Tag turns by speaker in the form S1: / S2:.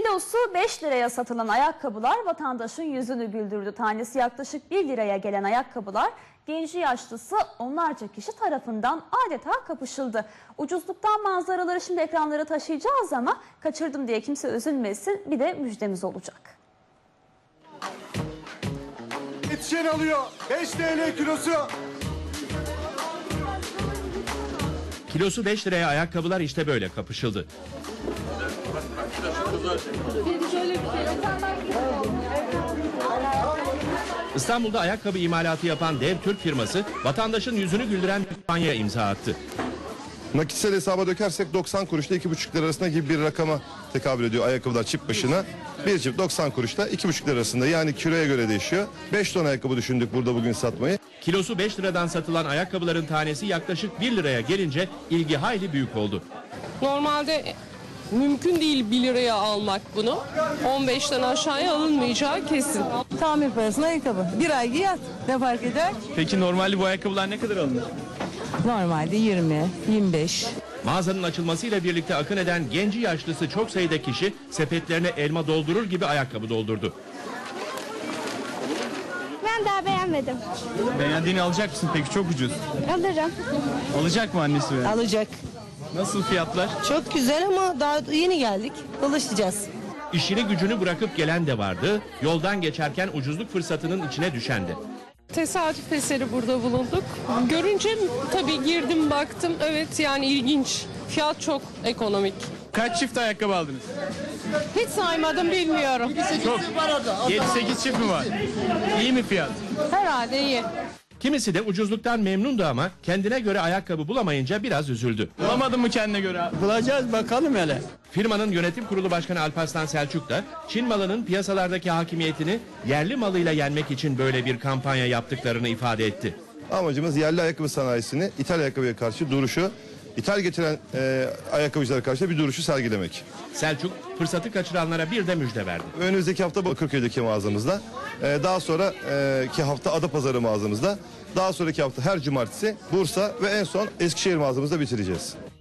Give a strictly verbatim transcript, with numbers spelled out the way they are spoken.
S1: Kilosu beş liraya satılan ayakkabılar vatandaşın yüzünü güldürdü. Tanesi yaklaşık bir liraya gelen ayakkabılar genci yaşlısı onlarca kişi tarafından adeta kapışıldı. Ucuzluktan manzaraları şimdi ekranlara taşıyacağız ama kaçırdım diye kimse üzülmesin, bir de müjdemiz olacak.
S2: Yetişen alıyor. beş TL kilosu.
S3: Kilosu beş liraya ayakkabılar işte böyle kapışıldı. İstanbul'da ayakkabı imalatı yapan dev Türk firması vatandaşın yüzünü güldüren bir kampanya imza attı.
S4: Nakitsel hesaba dökersek doksan kuruşla iki buçuk lira arasında gibi bir rakama tekabül ediyor ayakkabılar çift başına. Bir çift doksan kuruşla iki buçuk lira arasında, yani kiloya göre değişiyor. beş ton ayakkabı düşündük burada bugün satmayı.
S3: Kilosu beş liradan satılan ayakkabıların tanesi yaklaşık bir liraya gelince ilgi hayli büyük oldu.
S5: Normalde mümkün değil bir liraya almak bunu. on beşten aşağıya alınmayacağı kesin.
S6: Tamir parasına ayakkabı. Bir ay giy yat. Ne fark eder?
S7: Peki normalde bu ayakkabılar ne kadar alınır?
S6: Normalde yirmi, yirmi beş.
S3: Mağazanın açılmasıyla birlikte akın eden genci yaşlısı çok sayıda kişi sepetlerine elma doldurur gibi ayakkabı doldurdu.
S8: Ben daha beğenmedim.
S7: Beğendiğini alacak mısın peki? Çok ucuz.
S8: Alırım.
S7: Alacak mı annesi be?
S6: Alacak.
S7: Nasıl fiyatlar?
S6: Çok güzel ama daha yeni geldik. Dolaşacağız.
S3: İşini gücünü bırakıp gelen de vardı, yoldan geçerken ucuzluk fırsatının içine düşen de.
S5: Tesadüf eseri burada bulunduk. Görünce tabii girdim baktım. Evet, yani ilginç. Fiyat çok ekonomik.
S7: Kaç çift ayakkabı aldınız?
S5: Hiç saymadım, bilmiyorum.
S7: Çok. yedi sekiz çift mi var? İyi mi fiyat?
S5: Herhalde iyi.
S3: Kimisi de ucuzluktan memnundu ama kendine göre ayakkabı bulamayınca biraz üzüldü.
S7: Bulamadın mı kendine göre?
S9: Bulacağız bakalım hele.
S3: Firmanın yönetim kurulu başkanı Alparslan Selçuk da Çin malının piyasalardaki hakimiyetini yerli malıyla yenmek için böyle bir kampanya yaptıklarını ifade etti.
S4: Amacımız yerli ayakkabı sanayisini İthal ayakkabıya karşı duruşu, ithal getiren e, ayakkabıcılara karşı bir duruşu sergilemek.
S3: Selçuk fırsatı kaçıranlara bir de müjde verdi.
S4: Önümüzdeki hafta Bakırköy'deki mağazamızda, e, daha sonra e, ki hafta Adapazarı mağazamızda, daha sonraki hafta her cumartesi Bursa ve en son Eskişehir mağazamızda bitireceğiz.